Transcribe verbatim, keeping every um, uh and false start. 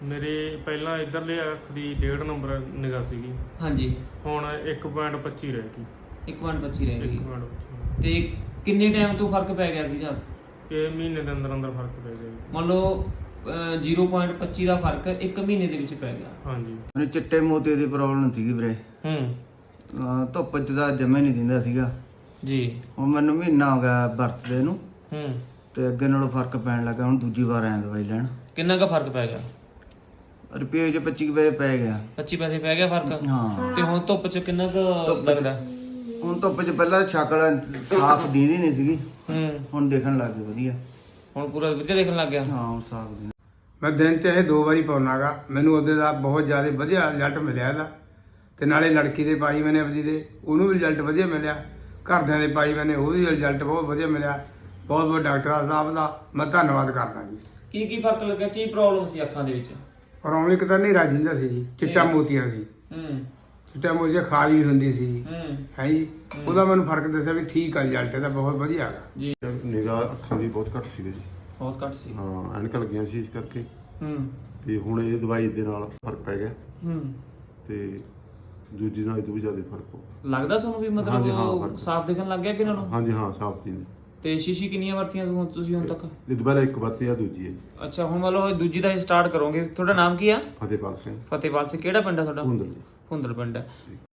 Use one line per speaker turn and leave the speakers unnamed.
ਮੇਰੇ ਪਹਿਲਾਂ ਇਧਰਲੇ ਅੱਖ ਦੀ ਡੇਢ ਨੰਬਰ ਨਿਗਾਹ ਸੀਗੀ।
ਹਾਂਜੀ।
ਹੁਣ ਇੱਕ ਪੁਆਇੰਟ ਪੱਚੀ ਰਹਿ ਗਈ।
ਇੱਕ ਪੁਆਇੰਟ ਪੱਚੀ ਰਹਿ ਗਈ।
ਇੱਕ ਪੁਆਇੰਟ ਪੱਚੀ।
ਤੇ ਕਿੰਨੇ ਟਾਈਮ ਤੋਂ ਫਰਕ ਪੈ ਗਿਆ ਸੀਗਾ?
ਇਹ ਮਹੀਨੇ ਦੇ ਅੰਦਰ ਅੰਦਰ ਫਰਕ ਪੈ ਗਿਆ ਜੀ।
ਮੰਨ ਲਓ ਜ਼ੀਰੋ ਪੁਆਇੰਟ ਪੱਚੀ ਦਾ ਫਰਕ ਇੱਕ ਮਹੀਨੇ ਦੇ ਵਿੱਚ ਪੈ ਗਿਆ।
ਹਾਂਜੀ।
ਮੈਨੂੰ ਚਿੱਟੇ ਮੋਤੀ ਦੀ ਪ੍ਰੋਬਲਮ ਸੀਗੀ ਵੀਰੇ।
ਹੂੰ।
ਅਹ ਧੁੱਪ 'ਚ ਤਾਂ ਜੰਮੇ ਨਹੀਂ ਦਿੰਦਾ ਸੀਗਾ
ਜੀ।
ਹੁਣ ਮੈਨੂੰ ਮਹੀਨਾ ਹੋ ਗਿਆ ਵਰਤਦੇ ਨੂੰ
ਹੂੰ।
ਤੇ ਅੱਗੇ ਨਾਲੋਂ ਫਰਕ ਪੈਣ ਲੱਗਾ। ਹੁਣ ਦੂਜੀ ਵਾਰ ਆਇਆ ਦਵਾਈ ਲੈਣ।
ਕਿੰਨਾ ਕੁ ਫਰਕ ਪੈ ਗਿਆ?
ਰੁਪਏ 'ਚ ਪੱਚੀ ਕੁ ਪੈਸੇ ਪੈ ਗਿਆ।
ਪੱਚੀ ਪੈਸੇ ਪੈ ਗਿਆ ਫਰਕ?
ਹਾਂ।
ਤੇ ਹੁਣ ਧੁੱਪ 'ਚ ਕਿੰਨਾ ਕੁ ਲੱਗਦਾ?
ਹੁਣ ਧੁੱਪ 'ਚ ਪਹਿਲਾਂ ਸ਼ਕਲ ਸਾਫ਼ ਦੀਦੀ ਨਹੀਂ ਸੀਗੀ।
ਹੂੰ।
ਹੁਣ ਦੇਖਣ ਲੱਗ ਗਈ ਵਧੀਆ।
ਹੁਣ ਪੂਰਾ ਵਧੀਆ ਦੇਖਣ ਲੱਗ ਗਿਆ?
ਹਾਂ ਹੁਣ ਸਾਫ਼ ਦੀ।
ਮੈਂ ਦਿਨ 'ਚ ਇਹ ਦੋ ਵਾਰੀ ਪਾਉਣਾਗਾ। ਮੈਨੂੰ ਉਹਦੇ ਦਾ ਬਹੁਤ ਜ਼ਿਆਦਾ ਵਧੀਆ ਰਿਜ਼ਲਟ ਮਿਲਿਆ ਇਹਦਾ। ਤੇ ਨਾਲੇ ਲੜਕੀ ਦੇ ਪਾਈ ਮੈਨੇ ਆਪਦੀ ਦੇ, ਉਹਨੂੰ ਵੀ ਰਿਜ਼ਲਟ ਵਧੀਆ ਮਿਲਿਆ। ਘਰਦਿਆਂ ਦੇ ਪਾਈ ਮੈਨੇ, ਉਹਦੀ ਰਿਜ਼ਲਟ ਬਹੁਤ ਵਧੀਆ ਮਿਲਿਆ। ਬਹੁਤ ਬਹੁਤ ਡਾਕਟਰ ਸਾਹਿਬ ਦਾ ਮੈਂ ਧੰਨਵਾਦ ਕਰਦਾ ਜੀ।
ਕੀ ਕੀ ਫਰਕ ਲੱਗਿਆ? ਕੀ ਪ੍ਰੋਬਲਮ ਸੀ ਅੱਖਾਂ ਦੇ ਵਿੱਚ?
ਪ੍ਰੋਬਲਮ ਇੱਕ ਤਾਂ ਹਨੇਰਾ ਜਿੰਦਾ ਸੀ ਜੀ, ਚਿੱਟਾ ਮੋਤੀਆ ਸੀ।
ਹੂੰ।
ਚਿੱਟਾ ਮੋਤੀਆ ਖਾਜ ਵੀ ਹੁੰਦੀ ਸੀ।
ਹੂੰ।
ਹੈ ਜੀ। ਉਹਦਾ ਮੈਨੂੰ ਫਰਕ ਦੱਸਿਆ ਵੀ ਠੀਕ ਆ, ਰਿਜ਼ਲਟ ਇਹਦਾ ਬਹੁਤ ਵਧੀਆ ਹੈਗਾ
ਜੀ।
ਨਿਗਾਹ ਅੱਖਾਂ ਦੀ ਬਹੁਤ ਘੱਟ ਸੀਗੀ ਜੀ।
ਬਹੁਤ ਘੱਟ ਸੀ।
ਹਾਂ, ਐਨਕਾਂ ਲੱਗੀਆਂ ਸੀ ਇਸ ਕਰਕੇ।
ਹੂੰ।
ਤੇ ਹੁਣ ਇਹ ਦਵਾਈ ਦੇ ਨਾਲ ਫਰਕ ਪੈ ਗਿਆ
ਹੂੰ।
ਤੇ ਦੂਜੀ ਨਾਲ ਇਹ ਤੋਂ ਵੀ ਜ਼ਿਆਦਾ ਫਰਕ ਹੋ
ਲੱਗਦਾ ਤੁਹਾਨੂੰ ਵੀ
ਹਾਂਜੀ, ਹਾਂ,
ਮਤਲਬ
ਫਰਕ।
ਸਾਫ਼ ਦਿਖਣ ਲੱਗ ਗਿਆ ਕਿ ਇਹਨਾਂ ਨੂੰ?
ਹਾਂਜੀ ਹਾਂ, ਸਾਫ ਦੀ
ਤੇ ਸ਼ੀਸ਼ੀ ਕਿੰਨੀਆਂ ਵਰਤੀਆਂ ਤੁਸੀਂ ਤੁਸੀਂ ਹੁਣ ਤੱਕ?
ਇਹ ਦੁਬਾਰਾ ਇੱਕ ਵਰਤੀ ਆ, ਦੂਜੀ ਹੈ ਜੀ।
ਅੱਛਾ, ਹੁਣ ਮੰਨ ਲਓ ਦੂਜੀ ਦਾ ਸਟਾਰਟ ਕਰੋਗੇ। ਤੁਹਾਡਾ ਨਾਮ ਕੀ ਆ?
ਫਤਿਹਪਾਲ ਸਿੰਘ
ਫਤਿਹਪਾਲ ਸਿੰਘ। ਕਿਹੜਾ ਪਿੰਡ ਆ ਤੁਹਾਡਾ?
ਹੁੰਦਲ ਜੀ।
ਹੁੰਦਲ ਪਿੰਡ ਹੈ।